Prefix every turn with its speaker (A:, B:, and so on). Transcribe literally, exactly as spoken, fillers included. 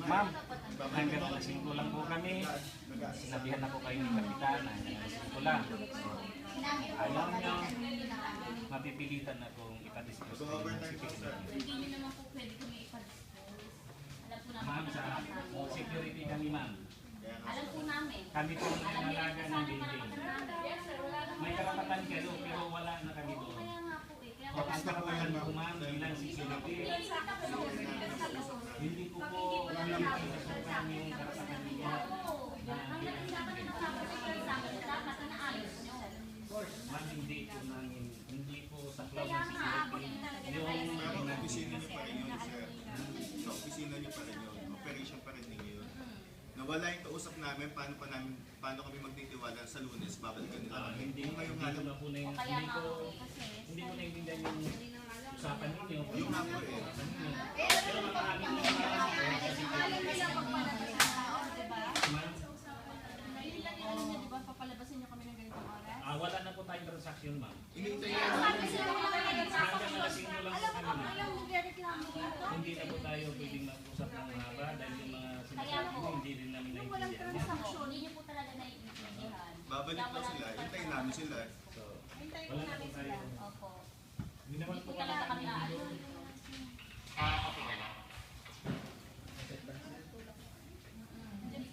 A: Ma'am, hanggang alas singko lang po kami. Sinabihan na po kayo ni Kapitan na hanggang alas singko lang. Ayaw niyo, mapipilitan na kung ipa-discuss kayo ng security.
B: Hindi nyo naman po pwede kami ipa-discuss. Alam po namin.
A: Ma'am, sa security kami ma'am.
B: Alam po namin.
A: Kami po ang nangalaga ng building. May karapatan kayo pero wala na kami doon.
B: Kaya nga po eh. Kaya
A: O ang karapatan po ma'am bilang security. Hindi ko po pinasukan yung karapatan niyo.
B: hanggang hindi dapat na nakapag-secure sa amin, dapat na naayos nyo.
A: Ma'am, hindi po namin, hindi po sa club
B: Kaya
A: ng
B: nga, aabot
A: security.
B: din talaga na
A: Yung
B: tayo.
C: Pero
A: yung
C: opisina niyo pa rin yun, sir. Sa opisina niyo pa rin yun. Operation pa rin ninyo yun. Nawala yung kausap namin, paano pa namin, paano kami magtitiwala sa Lunes, babalikan nila
A: Ah,
C: kami.
A: hindi
C: Kung ngayong
A: hindi ko
C: alam,
A: na po na yung,
B: O kaya
A: hindi
B: nga
A: ko,
B: po eh, kasi
A: hindi ko naiintindihan yung usapan ninyo.
C: yung nga po eh.
A: Usapan ninyo. Pero maraming mga ma'am,
B: Yun lang yung alam niya, di ba? Papalabasin niyo kami ng ganitong oras?
A: ah, wala na po tayong transaction ma'am.
C: Inintay
B: Kaya
C: namin.
B: sabi sila wala kayo nagsasabi.
A: Hanggang alas singko lang po kami.
B: Alam mo, nagreklamo dito.
A: Hindi na po tayo pwedeng mag-usap ng mahaba dahil yung mga sinasabi mo hindi rin namin
B: Yung walang
A: naiintindihan.
B: transaction, hindi niyo po talaga naiintindihan.
C: Babalik daw sila, hintayin namin sila.
A: So, wala na po tayo.
B: Opo.
A: Hindi naman po kami